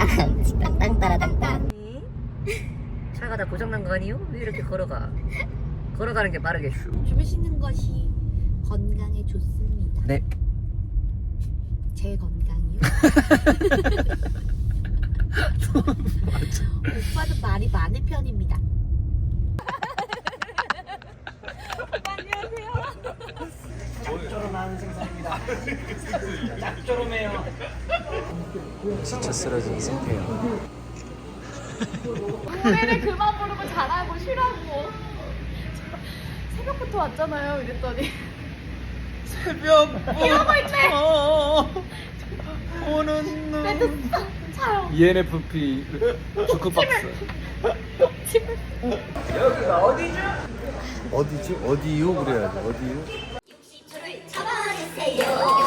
땅땅 땅따라땅땅. 차가 다 고장난 거 아니요? 왜 이렇게 걸어가? 걸어가는 게 빠르게 슈. 주무시는 것이 건강에 좋습니다. 네. 제 건강이요? 오빠도 말이 많은 편입니다. 짭조름한 생선입니다. 짭조름해요. 지쳐 쓰러진 상태예요. 노래를 그만 부르고 잘하고 쉬라고. 새벽부터 왔잖아요. 이랬더니 새벽 이러고 있네. 오는 눈. 차요. ENFP 주크박스. 여기가 어디죠? 어디지? 어디요? 그래야지. 어디요? 저를 잡아주세요.